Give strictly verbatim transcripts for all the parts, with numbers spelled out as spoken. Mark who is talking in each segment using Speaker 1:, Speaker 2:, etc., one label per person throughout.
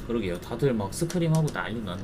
Speaker 1: 그러게요. 다들 막 스크림하고 난리 났네.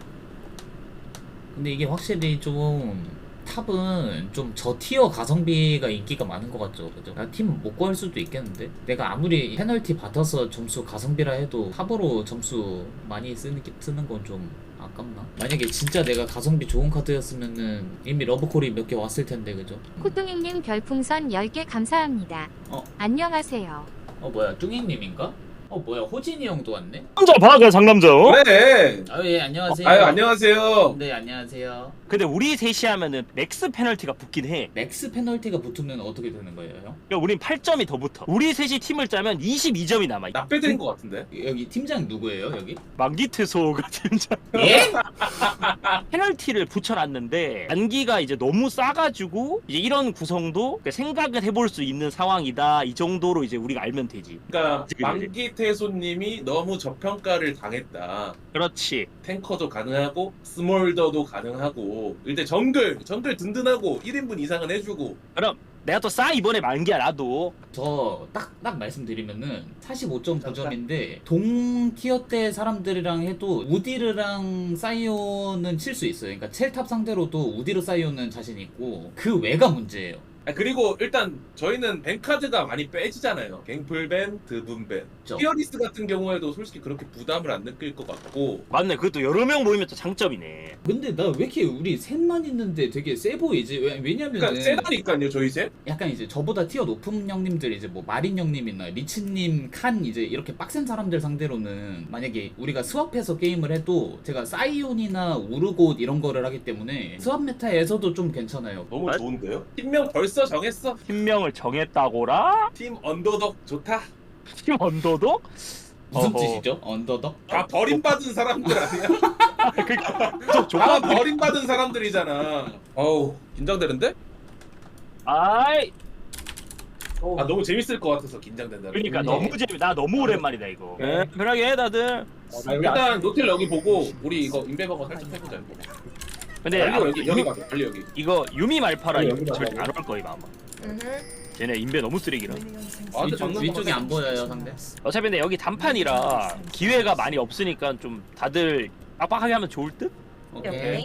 Speaker 1: 근데 이게 확실히 좀 탑은 좀 저티어 가성비가 인기가 많은 것 같죠. 그죠? 팀 못 구할 수도 있겠는데 내가 아무리 페널티 받아서 점수 가성비라 해도 탑으로 점수 많이 쓰는, 게- 쓰는 건 좀 아깝나? 만약에 진짜 내가 가성비 좋은 카드였으면은 이미 러브콜이 몇 개 왔을 텐데 그죠?
Speaker 2: 코뚱이님 별풍선 열 개 감사합니다.
Speaker 1: 어?
Speaker 2: 안녕하세요.
Speaker 1: 어 뭐야 뚱이님인가? 어 뭐야 호진이 형도 왔네?
Speaker 3: 상남자 봐, 그냥 상남자. 어?
Speaker 4: 그래.
Speaker 1: 아 예 안녕하세요.
Speaker 4: 아유 안녕하세요.
Speaker 1: 네 안녕하세요.
Speaker 3: 근데 우리 셋이 하면은 맥스 페널티가 붙긴 해.
Speaker 1: 맥스 페널티가 붙으면 어떻게 되는 거예요 형?
Speaker 3: 그러니까 우린 팔 점이 더 붙어. 우리 셋이 팀을 짜면 이십이 점이 남아.
Speaker 4: 나 빼드린 것 같은데.
Speaker 1: 여기 팀장 누구예요 여기?
Speaker 3: 만기퇴소가 진짜
Speaker 1: 예?
Speaker 3: 페널티를 붙여놨는데 단기가 이제 너무 싸가지고 이제 이런 구성도 생각을 해볼 수 있는 상황이다. 이 정도로 이제 우리가 알면 되지.
Speaker 4: 그러니까
Speaker 3: 그치, 그치.
Speaker 4: 만기태소님이 너무 저평가를 당했다.
Speaker 3: 그렇지.
Speaker 4: 탱커도 가능하고 스몰더도 가능하고 일단 정글 정글 든든하고 일 인분 이상은 해주고.
Speaker 3: 그럼 내가 또 싸 이번에 만기야 나도.
Speaker 1: 저 딱 딱 말씀드리면은 사십오 점 구 점인데 동 티어 때 사람들이랑 해도 우디르랑 사이오는 칠 수 있어요. 그러니까 첼탑 상대로도 우디르 사이오는 자신 있고 그 외가 문제예요.
Speaker 4: 아, 그리고 일단 저희는 뱅카드가 많이 빼지잖아요. 갱플밴, 드분밴.
Speaker 1: 그쵸.
Speaker 4: 피어리스 같은 경우에도 솔직히 그렇게 부담을 안 느낄 것 같고.
Speaker 3: 맞네. 그것도 여러 명 모이면 또 장점이네.
Speaker 1: 근데 나 왜 이렇게 우리 셋만 있는데 되게 세 보이지? 왜, 왜냐면은
Speaker 4: 그러니까 세다니까요 저희 셋.
Speaker 1: 약간 이제 저보다 티어 높은 형님들 이제 뭐 마린 형님이나 리치님, 칸 이제 이렇게 빡센 사람들 상대로는 만약에 우리가 스왑해서 게임을 해도 제가 사이온이나 우르곳 이런 거를 하기 때문에 스왑 메타에서도 좀 괜찮아요.
Speaker 4: 너무
Speaker 3: 맞-
Speaker 4: 좋은데요? 팀명 벌써 정했어.
Speaker 3: 팀명을 정했다고라?
Speaker 4: 팀 언더덕 좋다.
Speaker 3: 팀 언더도?
Speaker 1: 무슨
Speaker 3: 어허.
Speaker 1: 뜻이죠? 언더덕?
Speaker 4: 다 버림받은 사람들 아니야?
Speaker 3: 그러니까
Speaker 4: 다
Speaker 3: 조합
Speaker 4: 버림받은 사람들이잖아. 어우 긴장되는데?
Speaker 3: 아이
Speaker 4: 아 너무 재밌을 것 같아서 긴장된다.
Speaker 3: 그러니까
Speaker 1: 네.
Speaker 3: 너무 재미. 나 너무 오랜만이다 이거. 네, 편하게 해 다들.
Speaker 4: 일단 노텔 여기 보고 우리 이거 인베버거 살짝 해보자. 이거.
Speaker 3: 근데
Speaker 4: 빨리
Speaker 3: 아,
Speaker 4: 여기 여기 가자. 빨리 여기.
Speaker 3: 이거 유미 말파라
Speaker 4: 아니,
Speaker 3: 이거
Speaker 4: 여기다
Speaker 3: 절대
Speaker 4: 놔봐.
Speaker 3: 안올 거임 아마.
Speaker 2: 음.
Speaker 3: 쟤네 인베 너무 쓰레기라.
Speaker 4: 아, 근데
Speaker 1: 위쪽,
Speaker 4: 방금
Speaker 1: 위쪽이
Speaker 4: 방금
Speaker 1: 안 보여요 상대?
Speaker 3: 어차피 근데 여기 단판이라 기회가 많이 없으니까 좀 다들 빡빡하게 하면 좋을 듯?
Speaker 1: 오케이.
Speaker 5: 오케이.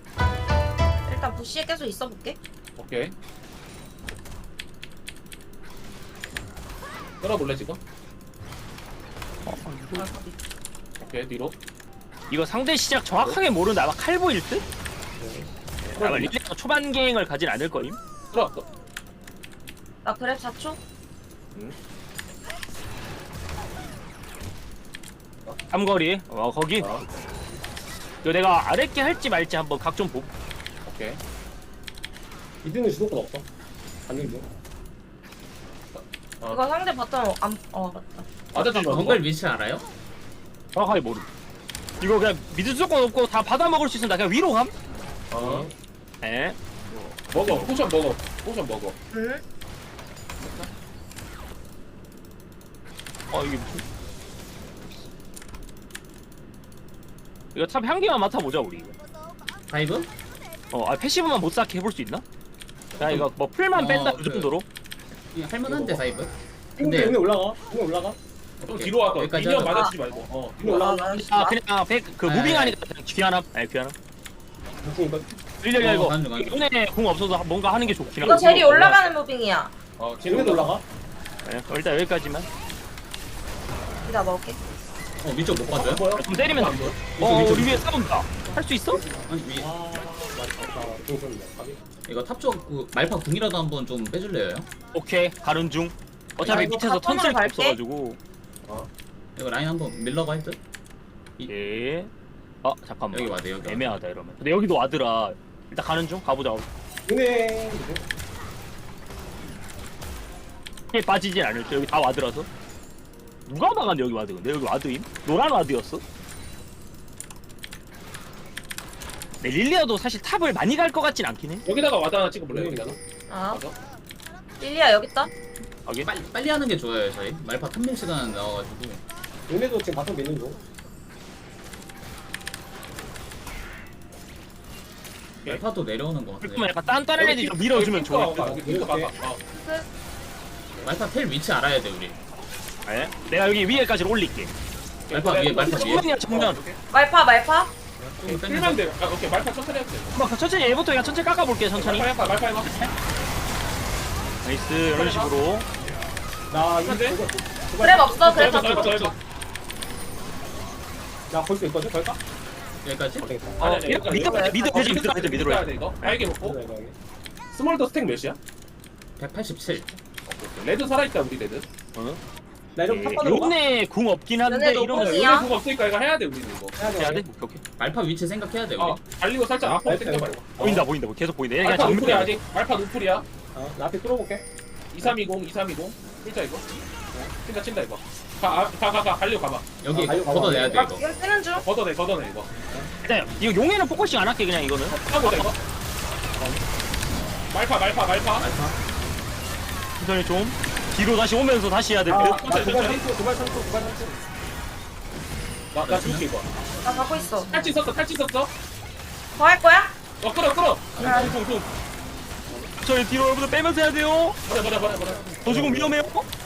Speaker 5: 일단 부시에 계속 있어 볼게.
Speaker 4: 오케이. 끌어볼래 지금? 오케이 뒤로.
Speaker 3: 이거 상대 시작 정확하게 모르는데 아마 칼보일 듯? 아마 릴레가 초반 갱을 가진 않을 거임.
Speaker 4: 끌어왔어.
Speaker 5: 나 그랩 사 초.
Speaker 3: 삼거리 어 거기.
Speaker 4: 어.
Speaker 3: 이거 내가 아랫게 할지 말지 한번 각 좀 보.
Speaker 4: 오케이.
Speaker 6: 이등은 주도권 없어. 가는 중.
Speaker 4: 어.
Speaker 5: 이거 상대 바텀 안. 어 맞다.
Speaker 4: 맞아 좀
Speaker 1: 정글 위치 알아요?
Speaker 3: 정확하게 모르. 이거 그냥 믿을 수건 없고 다 받아 먹을 수 있으면 나 그냥 위로 감.
Speaker 4: 어.
Speaker 3: 에?
Speaker 4: 먹어. 포션 먹어. 포션 먹어.
Speaker 5: 응.
Speaker 3: 어 이게 무슨? 이거 탑 향기만 맡아보자 우리 이거.
Speaker 1: 다이브?
Speaker 3: 어, 아 패시브만 못 쌓게 해볼 수 있나? 야 이거 뭐 풀만
Speaker 1: 어,
Speaker 3: 뺀다 그
Speaker 1: 그래.
Speaker 3: 정도로?
Speaker 1: 이거 할만한데 다이브?
Speaker 6: 근데
Speaker 1: 근데
Speaker 6: 위에 올라가. 위에 올라가.
Speaker 4: 좀
Speaker 1: 오케이.
Speaker 4: 뒤로 와서
Speaker 1: 여기까지
Speaker 4: 미니언
Speaker 1: 하자.
Speaker 4: 맞아주지 말고. 어.
Speaker 6: 위에
Speaker 5: 아,
Speaker 6: 올라가.
Speaker 5: 나
Speaker 3: 아 그냥 아, 백, 그
Speaker 1: 아,
Speaker 3: 무빙하니까 그냥 귀하나? 아니 귀하나?
Speaker 6: 무슨 이거
Speaker 3: 일렬이
Speaker 1: 어,
Speaker 3: 이거
Speaker 1: 가는 중, 가는 중.
Speaker 3: 이번에 공 없어서 뭔가 하는 게 좋긴
Speaker 5: 이거
Speaker 3: 하고
Speaker 5: 젤이 올라가는 무빙이야.
Speaker 4: 어.
Speaker 6: 위에 올라가.
Speaker 3: 네, 그럼 일단 여기까지만
Speaker 5: 이따 먹을게.
Speaker 1: 어 위쪽 못 봐줘요?
Speaker 6: 뭐야?
Speaker 3: 좀 때리면 돼.
Speaker 1: 위쪽,
Speaker 3: 어
Speaker 1: 위쪽.
Speaker 3: 우리 위에 싸운다 할 수 있어?
Speaker 1: 아니 위
Speaker 6: 아, 맞다. 나 동선이야. 가비.
Speaker 1: 이거 탑쪽 그 말파 궁이라도 한번 좀 빼줄래요?
Speaker 3: 오케이 가는 중 어차피
Speaker 5: 아, 이거
Speaker 3: 밑에서
Speaker 5: 바텀으로
Speaker 3: 턴쓸 게
Speaker 5: 갈게.
Speaker 3: 없어가지고
Speaker 1: 이거 라인 한번 밀러가 해도?
Speaker 3: 예. 어 잠깐만
Speaker 1: 여기 와대 여기 와대.
Speaker 3: 애매하다 이러면 근데 여기도 와드라 일단 가는 중 가보자
Speaker 6: 은행.
Speaker 3: 에 빠지진 않을 때 여기 다 와드라서 누가 막았는데 여기 와드 근데 여기 와드임? 노란 와드였어? 네, 릴리아도 사실 탑을 많이 갈 것 같진 않긴 해.
Speaker 4: 여기다가 와드 하나 찍어볼래 여기다가.
Speaker 5: 아.
Speaker 4: 맞아.
Speaker 5: 릴리아 여기 있다.
Speaker 3: 하긴.
Speaker 1: 빨리 빨리 하는 게 좋아요 저희 말파 탐밀 시간 나와가지고
Speaker 6: 은행도 지금 바텀 믿는 중.
Speaker 1: 말파도 내려오는 거
Speaker 3: 그러면
Speaker 1: 같은데
Speaker 3: 약간 딴딴한 애들이 좀 밀어주면 좋을 듯.
Speaker 4: 여기 핑크 봐봐. 어.
Speaker 1: 말파 텔 위치 알아야 돼 우리.
Speaker 3: 네? 내가 여기 위에까지 올릴게.
Speaker 1: 말파 위에 말파 위에.
Speaker 3: 정면이야 정면.
Speaker 5: 말파 말파.
Speaker 1: 좀 빼면서.
Speaker 4: 필만 돼. 아, 오케이 말파 천천히 해도 돼.
Speaker 3: 막 천천히 얘부터 그냥 천천히 깎아볼게 천천히.
Speaker 4: 말파 해봐 말파 해봐.
Speaker 3: 나이스 이런 식으로.
Speaker 6: 나 이거
Speaker 4: 근데?
Speaker 6: 이거
Speaker 5: 그랩 없어 그랩
Speaker 4: 더 해봐 더
Speaker 5: 없어.
Speaker 4: 해봐.
Speaker 6: 나걸 수 있거든. 걸까?
Speaker 1: 여기까지?
Speaker 6: 안 되겠다.
Speaker 3: 어, 미드 미드 미드
Speaker 4: 어,
Speaker 3: 미드 미드 미드로
Speaker 4: 해야
Speaker 3: 해.
Speaker 4: 돼 이거. 알게 먹고.
Speaker 6: 이거, 이거, 이거.
Speaker 4: 스몰더 스택 몇이야?
Speaker 1: 백팔십칠.
Speaker 4: 레드 살아있다 우리 레드.
Speaker 6: 나 이런 탑판으로 가.
Speaker 3: 요네 궁 없긴 한데
Speaker 5: 요네
Speaker 3: 이러면
Speaker 5: 노공이야.
Speaker 4: 요네 그거 없으니까 이거 해야 돼 우리는 이거.
Speaker 6: 해야 돼.
Speaker 3: 해야 돼? 오케이 오케이.
Speaker 1: 말파 위치 생각해야 돼 우리.
Speaker 4: 어 달리고 살짝 앞으로
Speaker 6: 말파
Speaker 4: 당겨봐.
Speaker 6: 이거.
Speaker 3: 보인다 보인다 계속 보인다. 얘 그냥
Speaker 4: 말파 노플이야
Speaker 3: 정면.
Speaker 4: 아직. 말파 노플이야.
Speaker 6: 어, 나 앞에 뚫어볼게.
Speaker 4: 이삼이공 이삼이공. 진짜 이거. 친다 친다 이거. 가가가 가, 달리고 가봐.
Speaker 1: 여기
Speaker 6: 아, 가요, 가요.
Speaker 1: 걷어내야 돼 이거.
Speaker 5: 이거 쓰는 중.
Speaker 4: 걷어내 걷어내 이거.
Speaker 3: 일단 이거 용에는 포커싱 안 할게 그냥 이거는.
Speaker 4: 하고자 이거. 말파 말파 말파.
Speaker 1: 말파.
Speaker 3: 천천히 좀 뒤로 다시 오면서 다시 해야 될
Speaker 6: 아,
Speaker 3: 듯.
Speaker 6: 나
Speaker 4: 천천히,
Speaker 6: 두발
Speaker 4: 천천히.
Speaker 6: 삼초, 두발 삼초, 두발 삼초.
Speaker 4: 나나 줄게 이거.
Speaker 5: 나 갖고 있어.
Speaker 4: 탈취 썼어 탈취 썼어.
Speaker 5: 더 할 거야?
Speaker 4: 어 끌어 끌어.
Speaker 5: 아.
Speaker 4: 퉁퉁퉁.
Speaker 3: 저희 뒤로 여러분들 빼면서 해야 돼요.
Speaker 4: 버려 버려 버려 버려.
Speaker 3: 더 죽으면 위험해요.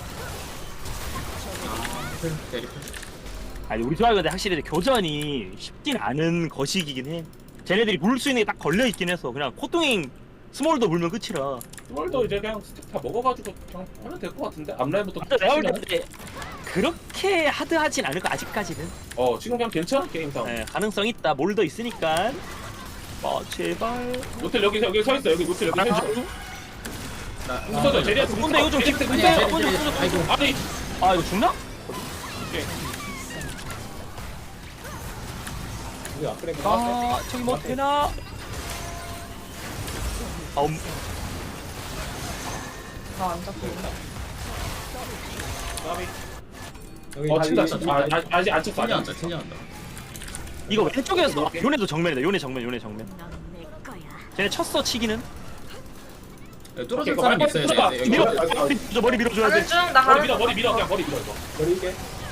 Speaker 1: 대리.
Speaker 3: 아니 우리 조합이 근데 확실히 교전이 쉽진 않은 거시기긴 해. 쟤네들이 물 수 있는 게 딱 걸려 있긴 해서 그냥 코뚱잉 스몰도 물면 끝이라.
Speaker 4: 스몰더 이제 그냥 스택 다 먹어가지고 그냥 하면 될 것 같은데 앞라인부터.
Speaker 3: 근데 내가 볼 때 그렇게 하드하진 않을 거 아직까지는.
Speaker 4: 어 지금 그냥 괜찮아 게임 상황.
Speaker 3: 네, 가능성 있다. 몰더 있으니까. 아 제발.
Speaker 4: 노텔 여기 여기 서 있어 여기 노텔 여기 서 있어.
Speaker 1: 나.
Speaker 4: 웃어줘 제리한테 웃어.
Speaker 3: 근데 이거 좀
Speaker 4: 제리한테
Speaker 3: 근데
Speaker 1: 아니야,
Speaker 4: 웃어.
Speaker 1: 제리, 제리, 제리. 아이고.
Speaker 4: 아니
Speaker 3: 아 이거 죽나?
Speaker 4: 오케이.
Speaker 6: 우리 앞그레이드
Speaker 3: 아 저기 뭐 되나? 아 음,
Speaker 5: 나안 잡고 있네.
Speaker 4: 나비.
Speaker 6: 여기
Speaker 4: 어
Speaker 6: 달리-
Speaker 4: 친다 친다. 아, 아, 아직 안 쳤어. 아직 안
Speaker 1: 튕겨난다
Speaker 4: 쳤어.
Speaker 1: 튕겨난다.
Speaker 3: 이거 왼쪽에서
Speaker 4: 오케이.
Speaker 3: 요네도 정면이다. 요네 정면 요네 정면. 쟤네 쳤어 치기는.
Speaker 1: 여기 뚫어줄
Speaker 4: 오케이,
Speaker 1: 사람
Speaker 4: 이거
Speaker 1: 있어야
Speaker 4: 말파
Speaker 1: 돼. 여기.
Speaker 3: 밀어.
Speaker 6: 아, 아,
Speaker 3: 머리 밀어줘, 머리 밀어줘야
Speaker 5: 가는
Speaker 3: 돼.
Speaker 5: 중. 나
Speaker 4: 머리
Speaker 5: 가는
Speaker 4: 밀어
Speaker 5: 중.
Speaker 4: 머리 밀어 그냥 머리 밀어 이거.
Speaker 6: 머리 이게.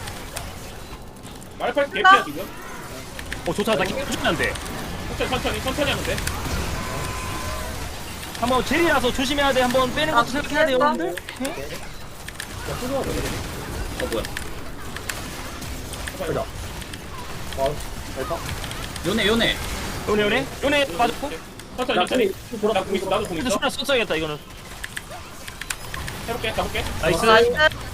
Speaker 4: 말팔 개피야 지금.
Speaker 3: 어 좋다. 나 기분 안 돼.
Speaker 4: 천천히 천천히 천천히 하면 돼.
Speaker 3: 한번 제리라서 조심해야 돼. 한번 빼는
Speaker 5: 아,
Speaker 3: 것도 생각해야 돼요,
Speaker 5: 됐다.
Speaker 3: 여러분들.
Speaker 6: 야, 뚫어야 돼.
Speaker 1: 어 뭐야?
Speaker 6: 가자. 어, 갈까?
Speaker 1: 요네 요네.
Speaker 3: 요네 요네 요네 빠졌고.
Speaker 4: 천천히
Speaker 6: 나
Speaker 4: 천천히.
Speaker 6: 공이 돌아.
Speaker 4: 나공 있어 나도 공
Speaker 3: 근데
Speaker 4: 있어.
Speaker 3: 수나 썼어야겠다 이거는.
Speaker 4: 해볼게 가볼게.
Speaker 3: 나이스.
Speaker 5: 나이스.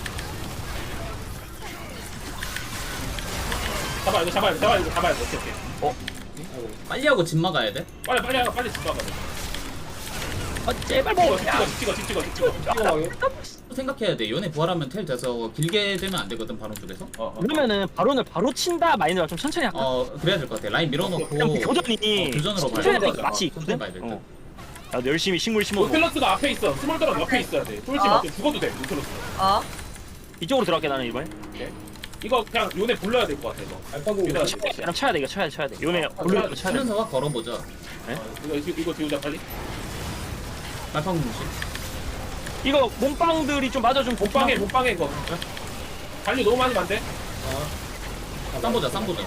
Speaker 4: 잡아 이거 잡아야 돼 잡아 이거 잡아야 돼. 오케이 오케이.
Speaker 6: 아이고.
Speaker 1: 빨리 하고 집 막아야 돼.
Speaker 4: 빨리 빨리 하고 빨리 집 가봐.
Speaker 3: 아 제발
Speaker 4: 찍어
Speaker 3: 뭐.
Speaker 4: 찍어 찍어 찍어 찍어.
Speaker 6: 뛰어가게.
Speaker 1: 생각해야 돼. 요네 부활하면 텔 돼서 길게 되면 안 되거든 바로 쪽에서.
Speaker 4: 어, 어.
Speaker 3: 그러면은 바론을 바로 친다 마인드가 좀 천천히 할까?
Speaker 1: 어 그래야 될 것 같아. 라인 밀어놓고.
Speaker 3: 그냥 그 교전이
Speaker 1: 어, 교전으로 가야
Speaker 3: 천천히
Speaker 1: 돼.
Speaker 3: 하니까 맛이
Speaker 1: 천천히
Speaker 3: 있거든.
Speaker 1: 가야 될 듯.
Speaker 3: 어. 나도 열심히 식물 심어놓고
Speaker 4: 노텔러스가 앞에 있어. 스몰더랑 옆에 있어야 돼. 쫄지
Speaker 5: 어?
Speaker 4: 마. 죽어도 돼. 노텔러스.
Speaker 5: 어.
Speaker 3: 이쪽으로 들어갈게 나는 이번에.
Speaker 4: 이거 그냥 요네 불러야 될 것 같아 이거.
Speaker 6: 알파고.
Speaker 4: 밀어야
Speaker 6: 이거.
Speaker 4: 돼.
Speaker 3: 그냥 쳐야 돼 이거 쳐야 돼 쳐야 돼. 요네 올려 쳐야 돼.
Speaker 1: 치면서 확 걸어보자.
Speaker 4: 어, 이거 이거 이거 지우자 빨리.
Speaker 1: 말파 공식.
Speaker 3: 이거 몸빵들이 좀 맞아 좀
Speaker 4: 못방해 못방해 이거. 관리 너무 많이 만돼.
Speaker 6: 어.
Speaker 1: 쌈 보자 쌈 보자.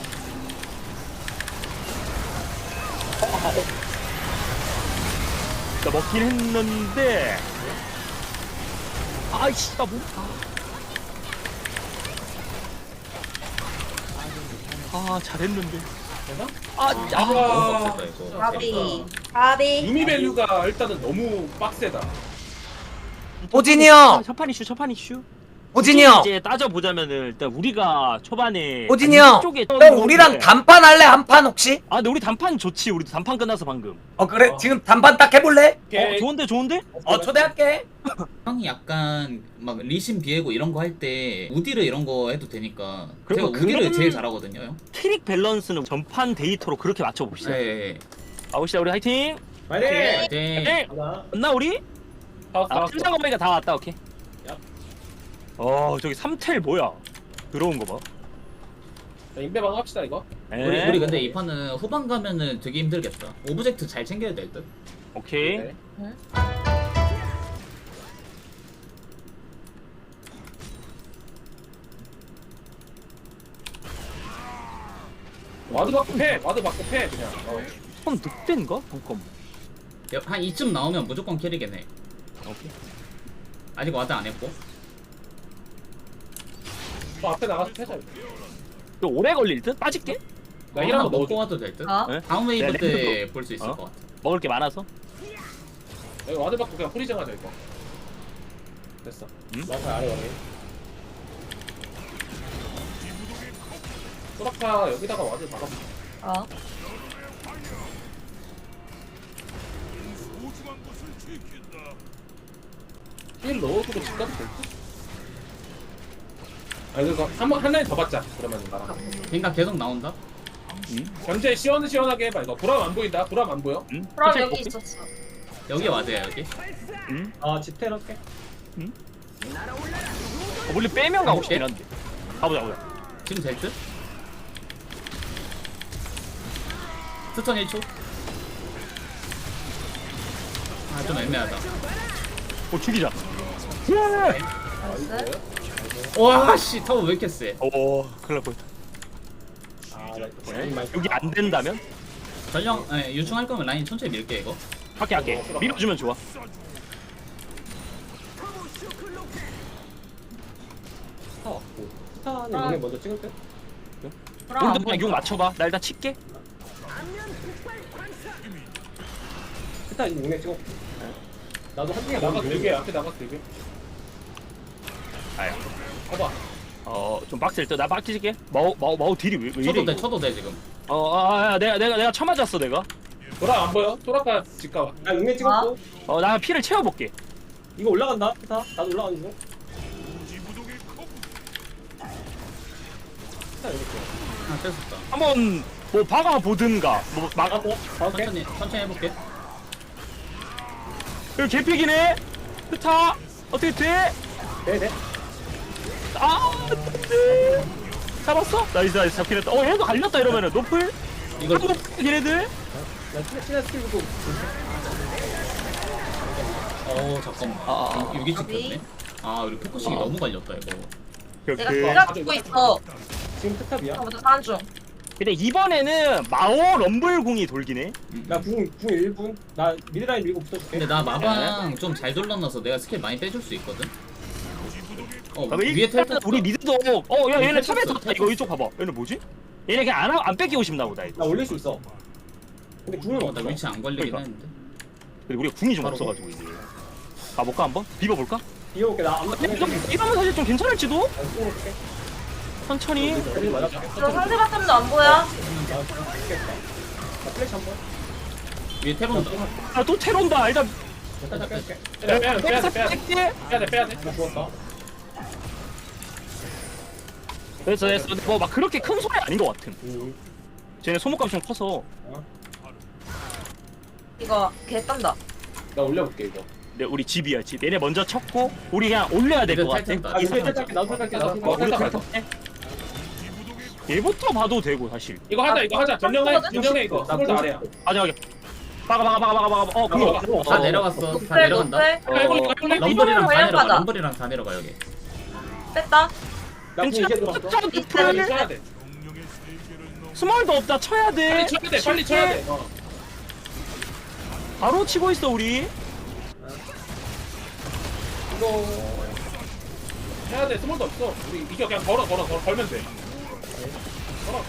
Speaker 3: 나 먹긴 했는데. 아이씨 나 뭐? 아 잘했는데.
Speaker 4: 되나?
Speaker 3: 아,
Speaker 1: 아,
Speaker 3: 아,
Speaker 1: 너무 빡셌다 이거.
Speaker 5: 가비. 가비.
Speaker 4: 유미 밸류가 일단은 너무 빡세다.
Speaker 7: 호진이 형!
Speaker 3: 첫판 이슈 첫판 이슈.
Speaker 7: 호진이 형!
Speaker 3: 이제 따져 보자면은 일단 우리가 초반에
Speaker 7: 호진이 형!
Speaker 3: 쪽에
Speaker 7: 형 우리랑 단판 할래? 한 판 혹시?
Speaker 3: 아 근데 우리 단판 좋지. 우리도 단판 끝나서 방금.
Speaker 7: 어 그래?
Speaker 4: 어.
Speaker 7: 지금 단판 딱 해볼래?
Speaker 3: 어 좋은데 좋은데?
Speaker 7: 어 초대할게.
Speaker 1: 형이 약간 막 리신 비에고 이런 거 할 때 우디르 이런 거 해도 되니까. 제가
Speaker 3: 그리고
Speaker 1: 우디르
Speaker 3: 그런-
Speaker 1: 제일 잘하거든요 형.
Speaker 3: 캐릭 밸런스는 전판 데이터로 그렇게 맞춰봅시다.
Speaker 1: 네. 네.
Speaker 3: 가봅시다 우리 화이팅.
Speaker 6: 빨리.
Speaker 1: 네.
Speaker 3: 네.
Speaker 6: 가자.
Speaker 3: 맞나 우리?
Speaker 4: 나왔어
Speaker 3: 아
Speaker 4: 나왔어.
Speaker 3: 팀장 건배가 다 왔다. 오케이.
Speaker 6: 야.
Speaker 3: 어 저기 삼텔 뭐야? 들어온 거 봐.
Speaker 4: 자, 인베방 합시다 이거.
Speaker 3: 에?
Speaker 1: 우리 우리 근데 이 판은 후반 가면은 되게 힘들겠다. 오브젝트 잘 챙겨야 될 듯.
Speaker 3: 오케이.
Speaker 4: 네. 와드 받고 패. 와드 받고 패 그냥. 어.
Speaker 3: 손 늑대인가? 잠깐.
Speaker 1: 야, 한 이쯤 나오면 무조건 캐리겠네.
Speaker 3: 오케이.
Speaker 1: 아직 와드 안 했고.
Speaker 4: 저 앞에 나가서 패자.
Speaker 3: 또 오래 걸릴 듯? 빠질게?
Speaker 4: 나
Speaker 1: 하나
Speaker 4: 이런 거
Speaker 1: 먹고
Speaker 4: 넣어줘.
Speaker 1: 와도 될 듯?
Speaker 5: 어?
Speaker 3: 네?
Speaker 1: 다음 웨이브
Speaker 3: 네,
Speaker 1: 때 볼 수 있을
Speaker 3: 어?
Speaker 1: 것 같아.
Speaker 3: 먹을 게 많아서?
Speaker 4: 여기 와드 받고 그냥 프리징 하자 이거. 됐어.
Speaker 6: 나사 아래 가게.
Speaker 4: 소라카 여기다가 와드 박아.
Speaker 5: 어.
Speaker 4: 힐 넣어주고 집 가도 될 듯? 아 그래서 한번 한 라인 더 받자. 그러면 나랑.
Speaker 1: 그러니까 계속 나온다?
Speaker 4: 견제 시원시원하게 해봐 이거. 보람 안 보인다. 보람 안 보여.
Speaker 3: 응?
Speaker 5: 그럼
Speaker 3: 천천히
Speaker 5: 여기
Speaker 3: 먹게.
Speaker 5: 있었어.
Speaker 1: 여기 와드야 여기.
Speaker 3: 응?
Speaker 6: 아 집텔 할게.
Speaker 3: 어, 원래 빼면 가고 싶긴 한데. 가보자, 가보자.
Speaker 1: 지금 될 듯? 스턴 일 초. 아 좀 애매하다.
Speaker 3: 어, 죽이자.
Speaker 5: 나이스.
Speaker 1: 와씨 타워 왜 이렇게 세?
Speaker 3: 오, 큰일 날 뻔했다.
Speaker 6: 아나
Speaker 3: 네? 여기 안 된다면?
Speaker 1: 전령 예, 유충할 거면 라인 천천히 밀게 이거.
Speaker 3: 할게, 할게. 밀어주면 좋아.
Speaker 6: 스타 왔고. 스타는 용에 먼저 찍을 때.
Speaker 5: 그럼
Speaker 3: 형도
Speaker 5: 안
Speaker 3: 그냥 용 맞춰봐. 나 일단 칠게.
Speaker 6: 스타 용에 찍어. 나도 한 중에
Speaker 4: 나가
Speaker 6: 먼저
Speaker 4: 들게. 앞에 나가 들게.
Speaker 3: 아야.
Speaker 4: 봐봐.
Speaker 3: 어, 좀 빡셀 듯. 나 빡치게. 마우, 마우, 마우 딜이 왜, 왜 이래?
Speaker 1: 쳐도 돼
Speaker 3: 이거?
Speaker 1: 쳐도 돼 지금.
Speaker 3: 어, 아, 아, 내가, 내가, 내가 쳐맞았어, 내가.
Speaker 4: 보람 안 보여? 소라카 집 가봐.
Speaker 6: 나 용에 찍었고.
Speaker 3: 어, 나 피를 채워볼게.
Speaker 6: 이거 올라간다. 스타. 나도 올라가는 중. 스타 여기 있어.
Speaker 1: 아 뺐었다.
Speaker 3: 한번 뭐 박아보든가. 뭐, 막,
Speaker 6: 막았고. 가볼게.
Speaker 1: 천천히 천천히 해볼게.
Speaker 3: 여기 개픽이네? 스타! 어떻게 돼?
Speaker 6: 네네.
Speaker 3: 아, 네. 잡았어? 나이스, 나이스. 잡긴 했다. 어, 얘도 갈렸다, 이러면은. 노플?
Speaker 1: 이걸
Speaker 3: 한번 얘네들?
Speaker 6: 나 친해 친해 스킬 보고.
Speaker 1: 어 잠깐만.
Speaker 3: 아, 아, 아.
Speaker 1: 여기 찍혔네. 아 우리 포커싱이
Speaker 3: 아.
Speaker 1: 너무 갈렸다 이거.
Speaker 5: 내가
Speaker 3: 그,
Speaker 5: 기가 죽고 있어.
Speaker 6: 지금 스탑이야.
Speaker 5: 아무도 간 중.
Speaker 3: 근데 이번에는 마오 럼블궁이 돌긴 해.
Speaker 1: 음.
Speaker 6: 나궁궁 일 분. 나 미드라인 밀고 붙어줄게.
Speaker 1: 근데 나 마방 좀 잘 돌려놔서 내가 스킬 많이 빼줄 수 있거든. 어
Speaker 3: 아,
Speaker 1: 위에
Speaker 3: 일단
Speaker 1: 텔
Speaker 3: 우리 미드도 어, 야, 얘네
Speaker 1: 텔
Speaker 3: 탑에
Speaker 1: 쳤어,
Speaker 3: 탔다.
Speaker 1: 텔
Speaker 3: 이거
Speaker 1: 쳤어.
Speaker 3: 이쪽 봐봐. 얘네 뭐지? 얘네 그냥 안, 하- 안 뺏기고 싶나 보다, 이거.
Speaker 6: 나 올릴 수 있어. 근데 궁은
Speaker 1: 어,
Speaker 6: 없어.
Speaker 1: 나 위치 안 걸리긴
Speaker 3: 그러니까.
Speaker 1: 했는데.
Speaker 3: 근데 우리가 궁이 좀
Speaker 1: 바로
Speaker 3: 없어가지고, 이제. 가볼까, 한번? 비벼볼까?
Speaker 6: 비워볼게. 나안 맞게.
Speaker 3: 이러면 이러면 사실 좀 괜찮을지도?
Speaker 6: 나 쏘볼게.
Speaker 3: 천천히.
Speaker 6: 여기 맞았게.
Speaker 5: 저 상대 바텀도 안 보여.
Speaker 6: 나 죽겠다. 나 플래시 한 번.
Speaker 1: 위에 텔 온다.
Speaker 3: 아, 또 테론다. 일단.
Speaker 6: 살짝 뺄게.
Speaker 4: 빼야 돼. 빼야 돼. 빼야 돼. 빼야 돼.
Speaker 3: 뺄게.
Speaker 4: 빼야 돼. 빼야 돼.
Speaker 6: 나 죽었다.
Speaker 3: 됐어, 됐어. 뭐, 막 그렇게 큰 소리 아닌 것 같음.
Speaker 6: 음.
Speaker 3: 쟤네 소모값이 좀 커서.
Speaker 5: 이거 개 딴다.
Speaker 4: 나 올려볼게 이거.
Speaker 3: 네, 우리 집이야, 집. 얘네 먼저 쳤고, 우리 그냥 올려야 될 것
Speaker 1: 텔
Speaker 3: 같아.
Speaker 1: 탔다.
Speaker 6: 아, 이거 살짝 나도 살짝 나도
Speaker 4: 어, 우리
Speaker 6: 살짝.
Speaker 4: 다
Speaker 6: 살짝.
Speaker 3: 얘부터 봐도 되고, 사실.
Speaker 4: 이거 하자. 이거 하자. 전령해. 전령해 이거. 스몰드 아래야.
Speaker 3: 마지막에. 박아, 박아, 박아, 박아, 박아. 어, 그거.
Speaker 6: 그거
Speaker 1: 다 내려갔어. 다
Speaker 5: 노플
Speaker 1: 내려간다.
Speaker 5: 노플.
Speaker 4: 해볼래. 해볼래.
Speaker 1: 럼블이랑
Speaker 5: 이번엔
Speaker 1: 다
Speaker 5: 그냥
Speaker 1: 내려가.
Speaker 5: 가자.
Speaker 1: 럼블이랑 다 내려가 여기.
Speaker 5: 뺐다.
Speaker 6: 나궁 이제 들어왔어.
Speaker 4: 빨리
Speaker 3: 풀.
Speaker 4: 쳐야 돼.
Speaker 3: 스몰도 없다, 쳐야 돼.
Speaker 4: 빨리 쳐야 돼. 빨리 쳐야 돼. 어.
Speaker 3: 바로 치고 있어, 우리.
Speaker 6: 이거
Speaker 4: 해야 돼. 스몰도 없어. 우리 이거 그냥 걸어 걸어 걸어 걸면 돼. 걸어.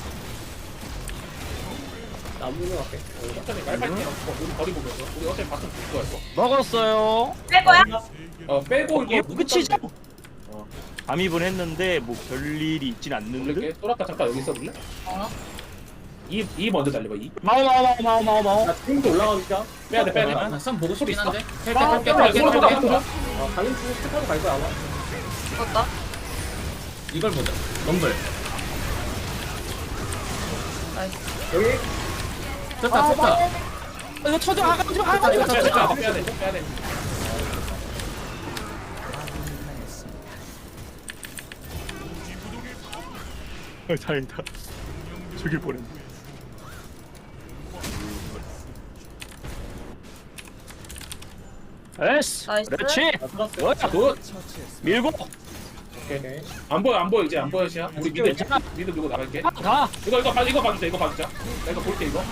Speaker 6: 나 안 보는 것 같게.
Speaker 4: 천천히 깔깔게. 어, 우리 거리 보면서. 우리 어차피 바텀 줄 거야 이거.
Speaker 3: 먹었어요.
Speaker 5: 뺄 거야?
Speaker 4: 어 빼고
Speaker 3: 이게
Speaker 4: 이거
Speaker 3: 끝이죠?
Speaker 4: 어.
Speaker 3: 감입은 했는데 뭐 별일이 있진 않는데.
Speaker 4: 올릴게. 소라카 잠깐 여기 있어볼래?
Speaker 5: 어.
Speaker 4: 이, 이 먼저 달려봐 이.
Speaker 3: 마오 마오 마오 마오 마오 마오.
Speaker 6: 나 지금도 올라가니까.
Speaker 4: 빼야 돼 빼야 돼.
Speaker 1: 나 쌈 보고 싶긴 한데. 텔
Speaker 3: 아,
Speaker 1: 뺄게
Speaker 4: 빼야 돼.
Speaker 1: 뺄게
Speaker 4: 소라카
Speaker 1: 뺄게.
Speaker 4: 소라카.
Speaker 6: 어, 가는 중에 스탑으로 갈 거야 아마.
Speaker 5: 죽었다.
Speaker 1: 이걸 보자. 럼블.
Speaker 5: 나이스.
Speaker 6: 여기
Speaker 1: 됐다 됐다.
Speaker 3: 이거 쳐줘. 아, 가지 마. 아, 가지 마.
Speaker 4: 빼야 돼 빼야 돼 빼야 돼 빼야 돼.
Speaker 3: 어, 다행이다. 죽일 뻔했네. 에스.
Speaker 5: 나이스.
Speaker 3: 그렇지.
Speaker 6: 나 들었어.
Speaker 3: 뭐야?
Speaker 4: 굿.
Speaker 3: 밀고.
Speaker 6: 오케이.
Speaker 4: 안 보여 안 보여 이제 안 보여 시야. 우리 미드
Speaker 3: 괜찮아.
Speaker 4: 미드 밀고 나갈게.
Speaker 3: 가. 가.
Speaker 4: 이거 이거 봐 이거 봐주자 이거 봐주자. 나 이거 볼게 이거.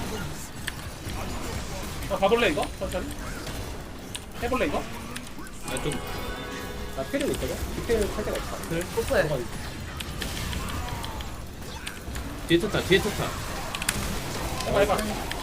Speaker 4: 어 봐볼래 이거 천천히. 해볼래 이거?
Speaker 1: 아, 좀
Speaker 6: 나 필요 있거든. 디테일 할 때가 있어.
Speaker 5: 노플.
Speaker 1: 뒤에 쳤다 뒤에 쳤다.
Speaker 6: 해봐 해봐.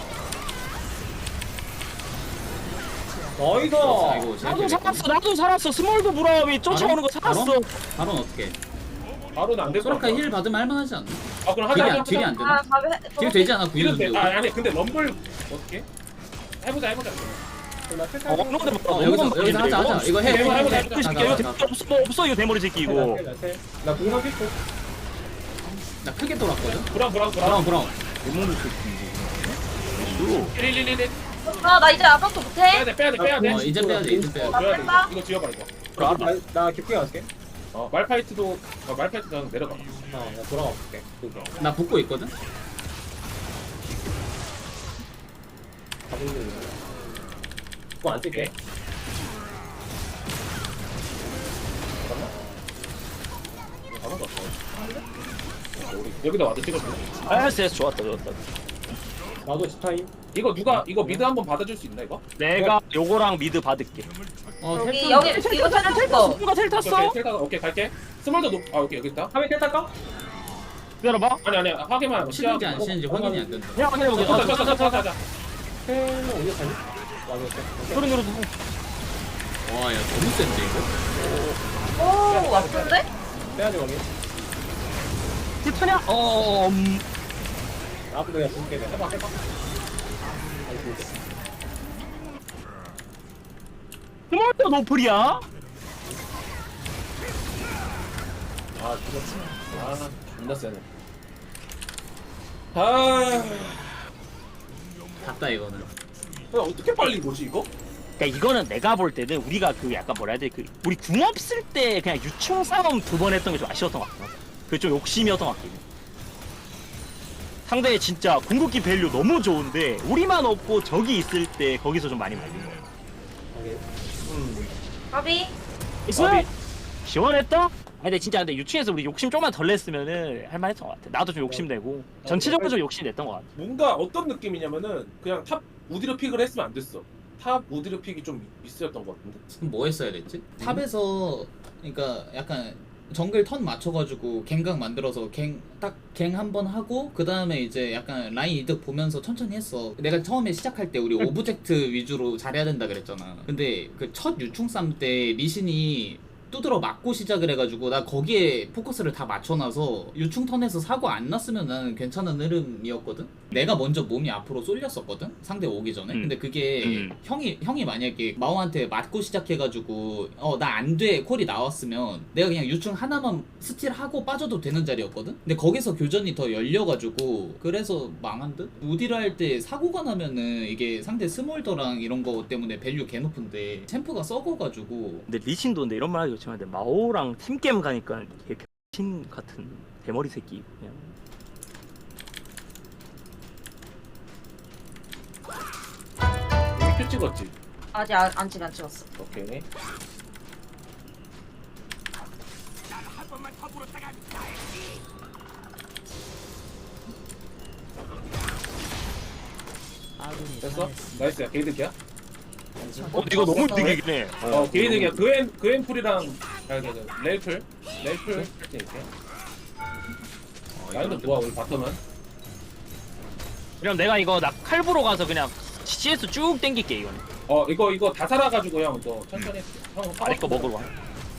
Speaker 6: 나이스.
Speaker 1: 아이고
Speaker 3: 나도 살았어 나도 살았어 스몰도 브라움이 쫓아오는 거 살았어.
Speaker 1: 바로 어떻게?
Speaker 6: 바로는 안될 것 같아.
Speaker 1: 소라카 힐 받으면 할만하지 않나?
Speaker 6: 아 그럼
Speaker 1: 딜이
Speaker 6: 하자
Speaker 1: 안
Speaker 6: 하자.
Speaker 1: 딜이 안 되나?
Speaker 5: 아 가be.
Speaker 1: 딜 되지 않아
Speaker 6: 딜은 돼.
Speaker 1: 구이런데.
Speaker 6: 아 아니 근데 럼블 어떻게? 해보자 해보자. 그럼 나
Speaker 3: 어,
Speaker 6: 탈탈.
Speaker 3: 어느 건데
Speaker 1: 어 여기서 여기서 하자 하자. 이거 해. 해,
Speaker 6: 해보자,
Speaker 1: 해,
Speaker 6: 해보자,
Speaker 1: 해.
Speaker 6: 해보자.
Speaker 3: 이 새끼야 이거 대머리 없어 뭐 없어 이거 대머리 새끼 이거.
Speaker 6: 나 공상 pis고.
Speaker 1: 나 크게 돌았거든.
Speaker 6: 브라운 브라운
Speaker 1: 브라운
Speaker 6: 브라운.
Speaker 1: 브라운.
Speaker 3: 대머리 새끼.
Speaker 6: 릴릴릴릴.
Speaker 5: 아나 이제 아무것도 못해.
Speaker 6: 빼야 돼 빼야 돼 빼야 돼.
Speaker 1: 어 이제 빼야지 이제 빼야지.
Speaker 5: 나
Speaker 6: 줘야 돼.
Speaker 5: 뺀다.
Speaker 6: 이거 지워봐 이거.
Speaker 3: 아,
Speaker 6: 나, 나 깊게 갈게. 어 말파이트도 어, 말파이트 그냥 내려가. 어나 돌아가 볼게.
Speaker 1: 나 붙고 있거든.
Speaker 6: 그거 안 쓸게. 잠깐만. 우리 여기다 와도 찍어줘.
Speaker 3: 알았어 좋았다 좋았다.
Speaker 6: 나도 스타임. 이거 누가 이거 미드 한번 받아줄 수 있나 이거?
Speaker 3: 내가 요거랑 미드 받을게.
Speaker 1: 어
Speaker 5: 여기
Speaker 1: 텔
Speaker 5: 여기 이거 찾아 텔거.
Speaker 3: 누가 텔 탔어?
Speaker 6: 오케이, 텔 타가 오케이 갈게. 스몰도 높. 아 오케이 여기 있다. 하면 텔 탈까?
Speaker 3: 기다려봐.
Speaker 6: 아니 아니 하게만 하고
Speaker 1: 치는지 안 치는지 확인이 안 된다.
Speaker 3: 그냥 확인해보게.
Speaker 6: 어, 자, 자, 자, 자, 자, 자. 텔은 어디서 타니? 맞았어.
Speaker 3: 소리 누르고.
Speaker 1: 와야 너무 센데 이거.
Speaker 5: 오 왔는데?
Speaker 6: 빼야지 거기.
Speaker 3: 불타냐? 어. 음.
Speaker 6: 나도 그냥 줄게. 해봐 해봐.
Speaker 3: 스몰도 노플이야?
Speaker 6: 아 죽었지. 아 존나 세네. 아
Speaker 1: 갔다 이거는.
Speaker 6: 어떻게 빨리 보지 이거?
Speaker 3: 그러니까 이거는 내가 볼 때는 우리가 그 약간 뭐라 해야 돼? 그 우리 궁 없을 때 그냥 유충 싸움 두 번 했던 게 좀 아쉬웠던 것 같아. 그게 좀 욕심이었던 것 같긴 해. 상대의 진짜 궁극기 밸류 너무 좋은데 우리만 없고 적이 있을 때 거기서 좀 많이 말린 거야.
Speaker 5: 가비.
Speaker 3: 있어? 시원했다? 아니 근데 진짜 근데 유충에서 우리 욕심 좀만 덜 냈으면은 할만했던 것 같아. 나도 좀 욕심내고 전체적으로 좀 욕심 냈던 것 같아.
Speaker 6: 뭔가 어떤 느낌이냐면은 그냥 탑 우디르 픽을 했으면 안 됐어. 탑 우디르 픽이 좀 미스였던 것 같은데.
Speaker 1: 그럼 뭐 했어야 됐지? 탑에서 그러니까 약간 정글 턴 맞춰가지고 갱각 만들어서 갱 딱 갱 한 번 하고 그 다음에 이제 약간 라인 이득 보면서 천천히 했어. 내가 처음에 시작할 때 우리 오브젝트 위주로 잘해야 된다 그랬잖아. 근데 그 첫 유충 쌈 때 리신이 두드러 맞고 시작을 해가지고 나 거기에 포커스를 다 맞춰놔서 유충 턴에서 사고 안 났으면 나는 괜찮은 흐름이었거든. 내가 먼저 몸이 앞으로 쏠렸었거든 상대 오기 전에.
Speaker 3: 음.
Speaker 1: 근데 그게
Speaker 3: 음.
Speaker 1: 형이 형이 만약에 마오한테 맞고 시작해가지고 어 나 안 돼 콜이 나왔으면 내가 그냥 유충 하나만 스틸하고 빠져도 되는 자리였거든. 근데 거기서 교전이 더 열려가지고 그래서 망한 듯. 우디를 할 때 사고가 나면은 이게 상대 스몰더랑 이런 거 때문에 밸류 개 높은데 챔프가 썩어가지고
Speaker 3: 근데 리신도 근데 이런 말 하기 그렇지만 근데 마오랑 팀게임 가니까 걔 병신 같은 대머리 새끼 그냥.
Speaker 6: 큐 찍었지.
Speaker 5: 아직 안, 안 찍, 안 찍었어.
Speaker 6: 오케이. 됐어? 나이스야. 게이득이야?
Speaker 3: 어 이거 너무 이득이긴 해.
Speaker 6: 어, 게이득이야. 그앤 그앤풀이랑 아, 그, 그, 레이플, 레이플 이렇게.
Speaker 1: 어,
Speaker 6: 라인도
Speaker 1: 이거는
Speaker 6: 좋아 우리 바텀은.
Speaker 3: 그럼 내가 이거 나 칼부로 가서 그냥 씨에스 쭉 땡길게 이거는.
Speaker 6: 어 이거 이거 다 살아가지고 형 너 천천히. 형
Speaker 3: 아래 거 먹으러 와.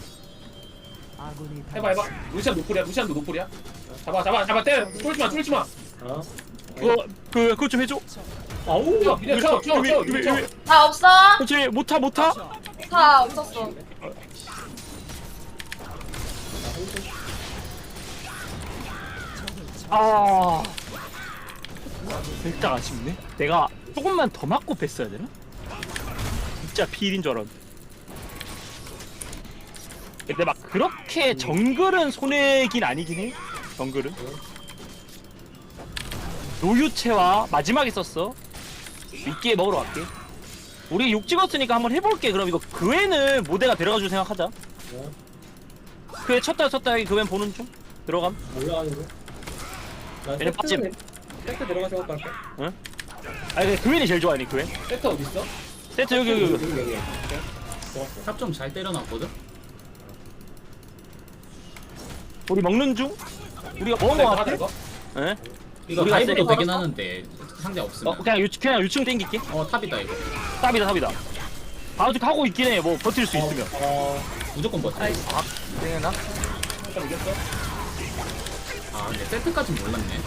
Speaker 6: 해봐 해봐. 루시안 노플이야. 루시안도 노플이야. 잡아 잡아 잡아 때려. 쫄지 마 쫄지 마.
Speaker 3: 그거 그 그거 좀 해줘.
Speaker 6: 아우 야 그냥 쳐 쳐 쳐.
Speaker 3: 왜,
Speaker 6: 쳐.
Speaker 3: 왜, 왜.
Speaker 5: 다 없어.
Speaker 3: 그렇지 못타 못타.
Speaker 5: 다 없었어.
Speaker 3: 아. 진짜 아쉽네. 내가 조금만 더 맞고 뺐어야 되나? 진짜 필인 줄 알았는데. 근데 막 그렇게 정글은 손해긴 아니긴 해. 정글은. 노유채와 마지막에 썼어. 미끼에 먹으러 갈게. 우리 육 찍었으니까 한번 해볼게. 그럼 이거 그애는 모대가 데려가줄 생각하자. 그애 쳤다 쳤다 여기 그애 보는 중. 들어감.
Speaker 6: 올라가는 거.
Speaker 3: 얘네 빠짐.
Speaker 6: 세트 들어가 생각할게.
Speaker 3: 아니 근데 그애이 제일 좋아하니 그애.
Speaker 6: 세트 어디 있어?
Speaker 3: 세트 여기 여기 여기.
Speaker 6: 여기.
Speaker 1: 탑 좀 잘 때려놨거든.
Speaker 3: 우리 먹는 중. 우리가 먹은 거 같아.
Speaker 6: 이거?
Speaker 3: 예?
Speaker 1: 이거
Speaker 3: 우리가
Speaker 1: 다이브도
Speaker 3: 세게
Speaker 1: 되긴
Speaker 5: 걸었어?
Speaker 1: 하는데 상대 없으면.
Speaker 3: 어 그냥 유 그냥 유충 땡길게.
Speaker 1: 어 탑이다 이거.
Speaker 3: 탑이다 탑이다. 아직 하고 있긴 해. 뭐 버틸 수 있으면.
Speaker 6: 어,
Speaker 1: 무조건 버텨.
Speaker 5: 나이스.
Speaker 3: 아 땡했나?
Speaker 6: 일단 이겼어.
Speaker 1: 아 근데 세트까진 몰랐네.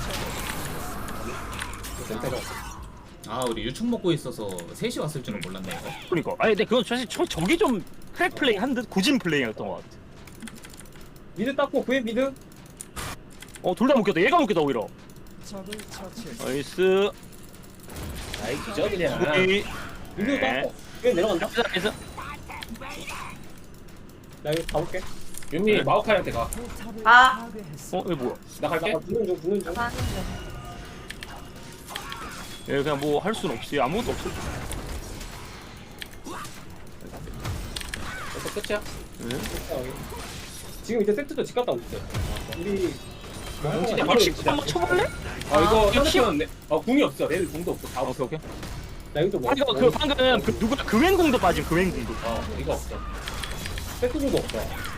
Speaker 6: 센터가.
Speaker 1: 아 우리 유충 먹고 있어서 셋이 왔을 줄은 몰랐네 이거.
Speaker 3: 그러니까. 아니 근데 그건 사실 저 저기 좀 크랙 플레이 한 듯 고진 플레이였던 것 같아.
Speaker 6: 미드 닦고 구해 미드.
Speaker 3: 어 둘 다 묶였다. 얘가 묶였다 오히려. 나이스.
Speaker 6: 아이 기저 그냥.
Speaker 3: 우리
Speaker 6: 미드
Speaker 3: 네.
Speaker 6: 닦고 구해 내려간다.
Speaker 3: 나이스.
Speaker 6: 나 이거 가볼게. 윤미 마오카이한테 가.
Speaker 5: 아,
Speaker 3: 어 이거 뭐야?
Speaker 6: 나 갈게. 붙는 중 붙는 중.
Speaker 5: 가는 중.
Speaker 3: 얘 그냥 뭐 할 수는 없지. 아무것도 없어.
Speaker 6: 벌써 끝이야?
Speaker 3: 응?
Speaker 6: 지금 이제 세트도 집 갔다 오고 있어. 우리
Speaker 3: 진짜 바로 십 한번 쳐볼래?
Speaker 6: 아 이거
Speaker 3: 이거
Speaker 6: 상대편은 어 궁이 없어. 내일 궁도 없어. 다 없어.
Speaker 3: 오케이 오케이.
Speaker 6: 나 이거 뭐?
Speaker 3: 아 이거 그 방금 그 누구야 그웬공도 빠짐 그웬공도.
Speaker 6: 어 이거 없어. 세트 궁도 없어.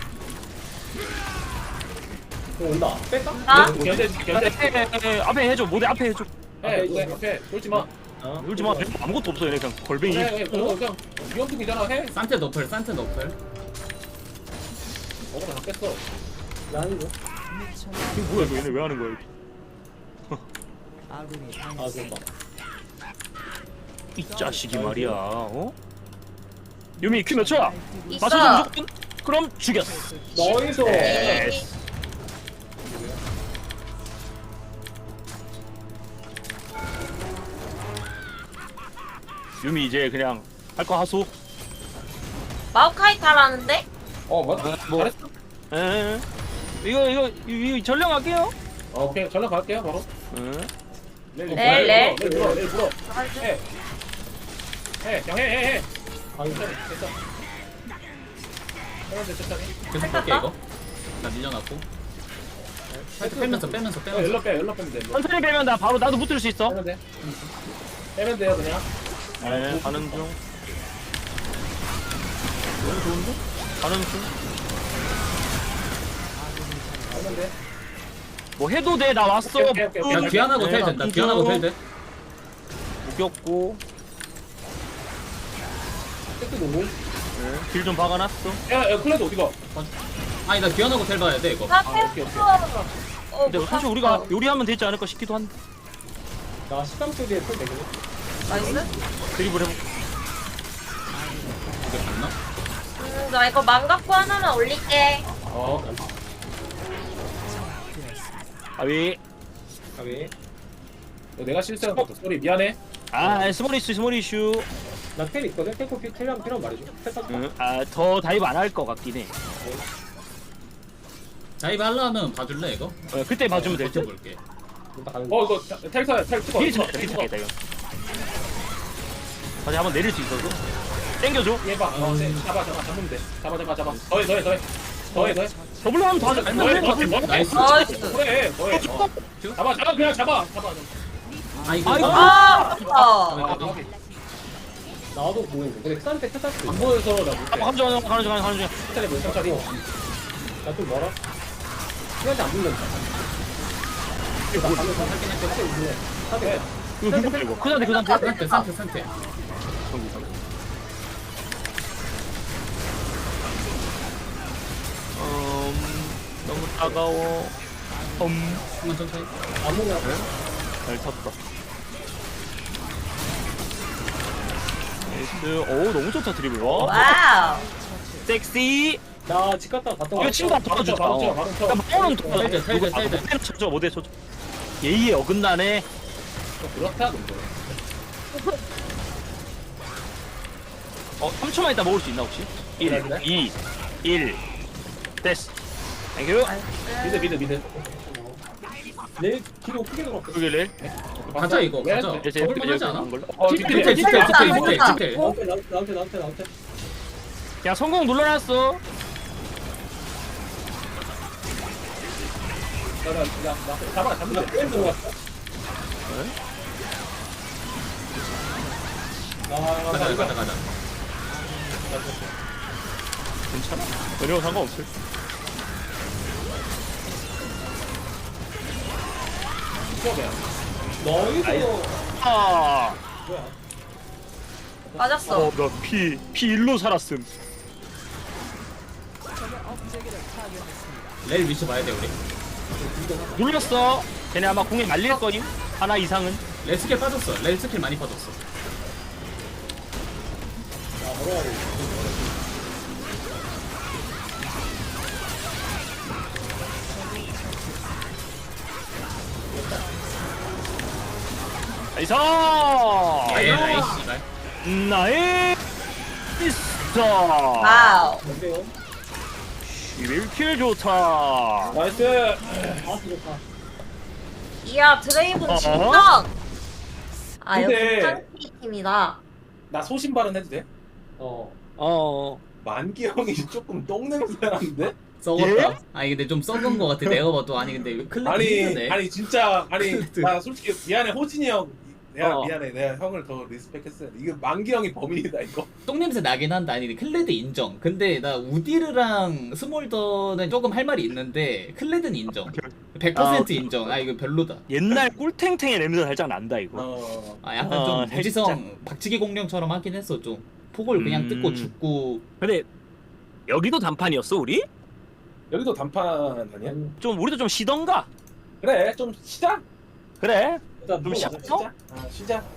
Speaker 6: 이거 온다. 뺄까?
Speaker 5: 아?
Speaker 6: 견제 견제.
Speaker 3: 앞에 앞에 해줘 모델 앞에 해줘.
Speaker 6: 해 누가 앞에 돌지 마.
Speaker 3: 울지 마. 아무것도 없어 얘네 그냥 걸뱅이.
Speaker 6: 그래 그래 그거 그냥 위험풍이잖아 해.
Speaker 1: 산테 너플 산테 너플.
Speaker 6: 먹으면 다 뺐어. 나는 거.
Speaker 3: 이거 뭐야 이거 얘네 왜 하는 거야 여기?
Speaker 6: 아 그런가.
Speaker 3: 이 자식이 말이야. 어? 유미 큐 몇 초야?
Speaker 5: 있어.
Speaker 3: 맞춰서 무조건? 그럼 죽였어.
Speaker 6: 너희서.
Speaker 3: 네. 유미 이제 그냥 할 거 하소.
Speaker 5: 마오카이 타라는데?
Speaker 6: 어 맞다.
Speaker 3: 뭐.
Speaker 6: 잘했어.
Speaker 3: 에 이거 이거 이거 전령할게요.
Speaker 6: 어, 오케이 전화 갈게요 바로.
Speaker 3: 응.
Speaker 6: 내일
Speaker 5: 네, 네.
Speaker 6: 내일 물어 내일 물어.
Speaker 5: 가는
Speaker 6: 해. 해. 그냥 해 해 해. 아 이거 됐어. 해는데 천천히.
Speaker 1: 계속 볼게 이거. 나 밀려놨고. 살짝 빼면서 빼면서
Speaker 6: 어,
Speaker 1: 빼면서.
Speaker 6: 열로 빼 열로 빼면 돼. 일로.
Speaker 3: 천천히 빼면 나 바로 나도 붙을 수 있어.
Speaker 6: 빼면 돼. 빼면 돼요 그냥.
Speaker 3: 네, 가는 중. 너무 좋은데? 가는 중.
Speaker 6: 빼면 돼.
Speaker 3: 뭐 해도 돼, 나 왔어.
Speaker 6: 오케이, 오케이, 오케이.
Speaker 1: 야 귀환하고 텔 된다. 귀환하고 텔 돼.
Speaker 3: 묶였고.
Speaker 6: 세트 노무.
Speaker 3: 네, 길 좀 박아놨어.
Speaker 6: 야, 야 클레드 어디가?
Speaker 1: 아니 나 귀환하고 텔 봐야 돼 이거.
Speaker 5: 나
Speaker 6: 아, 오케이, 오케이.
Speaker 5: 뺐어. 어,
Speaker 3: 근데
Speaker 5: 못
Speaker 3: 사실
Speaker 5: 탔어.
Speaker 3: 우리가 요리하면 되지 않을까 싶기도 한데.
Speaker 6: 나 십삼 초 뒤에 풀 되거든.
Speaker 5: 나이스.
Speaker 3: 드리블 해볼게.
Speaker 1: 이게 맞나?
Speaker 5: 음, 나 이거 망각구 하나만 올릴게.
Speaker 6: 어.
Speaker 3: 아위.
Speaker 6: 가비. 내가 실수한 것도 소리 미안해.
Speaker 3: 아, 스몰 이슈, 스몰 이슈.
Speaker 6: 나 텔 있거든. 텔코 피 텔이랑 필요한 말해줘. 텔 탔다.
Speaker 3: 응, 아, 더 다이브 안 할 것 같긴 해.
Speaker 1: 다이브 하려면 봐줄래 이거?
Speaker 3: 어, 그때 봐주면 될 듯.
Speaker 1: 버텨볼게.
Speaker 6: 어 이거 텔사 텔 찍어.
Speaker 3: 딜 차겠다, 딜 차겠다, 이거. 다시 한번 내릴 수 있어서. 땡겨줘.
Speaker 6: 얘봐. 어, 네. 잡아 잡아 잡으면 돼. 잡아 잡아 잡아. 더해 더해 더해. 더해 더해.
Speaker 3: 더블로 하면 더 하자.
Speaker 6: 더해 더해 더해.
Speaker 1: 나이스.
Speaker 5: 나이스.
Speaker 6: 그래 더해. 어. 잡아 잡아 그냥 잡아 잡아.
Speaker 1: 아 이거.
Speaker 3: 아이고.
Speaker 5: 아, 아깝다.
Speaker 6: 아, 나도 보이는데. 근데 싼데 텔 탔어. 안 보여서 나 못해.
Speaker 3: 한번 가는 중, 가는 중, 가는 중.
Speaker 6: 텔에 몇 천짜리? 나좀 멀어. 시간이 안 붙는다. 이거 나 가면 살긴 했는데 사대.
Speaker 3: 이거 누구 이거? 그 상태, 그 상태.
Speaker 1: 산테 산테 산테.
Speaker 3: 음, 너무 따가워. 음,
Speaker 1: 한번 천천히.
Speaker 6: 아무나
Speaker 3: 잘 탔다. 나이스. 오, 너무 좋다, 드리블. 와.
Speaker 5: 와우.
Speaker 3: 섹시.
Speaker 6: 나집 갔다 갔다
Speaker 3: 이거 친구 도와주자.
Speaker 6: 바로 쳐
Speaker 3: 어.
Speaker 6: 바로 쳐.
Speaker 3: 야, 마오는 도와줘.
Speaker 1: 텔대, 텔대,
Speaker 3: 누가- 아,
Speaker 1: 텔대.
Speaker 3: 모델 쳐줘, 모델 쳐줘. 예의에 어긋나네.
Speaker 6: 그렇다 근데.
Speaker 3: 어, 삼 초만 있다 먹을 수 있나, 혹시? 일,
Speaker 6: 그래, 그래.
Speaker 3: 이, 일. 됐어. 땡큐.
Speaker 6: 미드 미드 미드. 내 뒤로 크게 들어갔어.
Speaker 3: 여기를.
Speaker 1: 가자 이거
Speaker 6: 왜?
Speaker 1: 가자.
Speaker 3: 이제
Speaker 1: 저걸만 하지 않아?
Speaker 6: 어
Speaker 1: 디테일
Speaker 6: 뒤에
Speaker 1: 디테일 디테일 디테일 디테일.
Speaker 6: 나한테 나한테 나한테 나한테 나한테.
Speaker 3: 그냥 성공 눌러놨어.
Speaker 6: 나나 나 잡아 잡는다. 왜 들어갔어? 아
Speaker 1: 가자
Speaker 6: 이거
Speaker 1: 가자 가자.
Speaker 3: 괜찮아. 전혀 상관없을.
Speaker 6: 이거 뭐야? 너희도
Speaker 3: 아,
Speaker 6: 뭐야?
Speaker 5: 맞았어.
Speaker 3: 어, 나피 피 일로 살았음.
Speaker 1: 레일 위치 봐야 돼 우리.
Speaker 3: 눌렸어. 걔네 아마 공에 말릴 거임. 하나 이상은.
Speaker 1: 레일 스킬 빠졌어. 레일 스킬 많이 빠졌어.
Speaker 6: 아 뭐야 이거.
Speaker 3: 나이스.
Speaker 1: 예, 나이스 씨발.
Speaker 3: 나이스.
Speaker 5: 와우.
Speaker 6: 뭔데요?
Speaker 3: 십일 킬 좋다.
Speaker 6: 나이스. 아 좋다.
Speaker 5: 이야 드레이븐
Speaker 3: 어?
Speaker 5: 진짜. 아
Speaker 4: 근데-
Speaker 5: 여기 탕키 팀이다.
Speaker 4: 나 소신 발언해도 돼?
Speaker 6: 어.
Speaker 3: 어.
Speaker 4: 만기 형이 조금 똥 냄새 나는데?
Speaker 1: 썩었다. 아니 근데 좀 썩은 거 같아. 내가 봐도 아니 근데 왜 클레드
Speaker 4: 아니
Speaker 1: 힘드네.
Speaker 4: 아니 진짜 아니
Speaker 1: 클레드.
Speaker 4: 나 솔직히 미안해 호진이 형 내가
Speaker 3: 어.
Speaker 4: 미안해 내가 형을 더 리스펙했어야 돼. 이거 만기 형이 범인이다 이거.
Speaker 1: 똥 냄새 나긴 한다. 아니 근데 클레드 인정. 근데 나 우디르랑 스몰더는 조금 할 말이 있는데 클레드는 인정. 백 퍼센트
Speaker 3: 아,
Speaker 1: 인정. 아 이거 별로다.
Speaker 3: 옛날 꿀탱탱의 냄새 살짝 난다 이거.
Speaker 4: 어.
Speaker 1: 아 약간
Speaker 3: 어,
Speaker 1: 좀
Speaker 3: 살짝.
Speaker 1: 무지성 박치기 공룡처럼 하긴 했어 좀. 폭을 그냥
Speaker 3: 음.
Speaker 1: 뜯고 죽고.
Speaker 3: 근데 여기도 단판이었어 우리?
Speaker 4: 여기도 단판 아니야?
Speaker 3: 좀 우리도 좀 쉬던가.
Speaker 4: 그래 좀 쉬자.
Speaker 3: 그래.
Speaker 6: 일단
Speaker 3: 좀
Speaker 6: 물어보자.
Speaker 3: 시작.
Speaker 4: 쉬자. 아, 쉬자.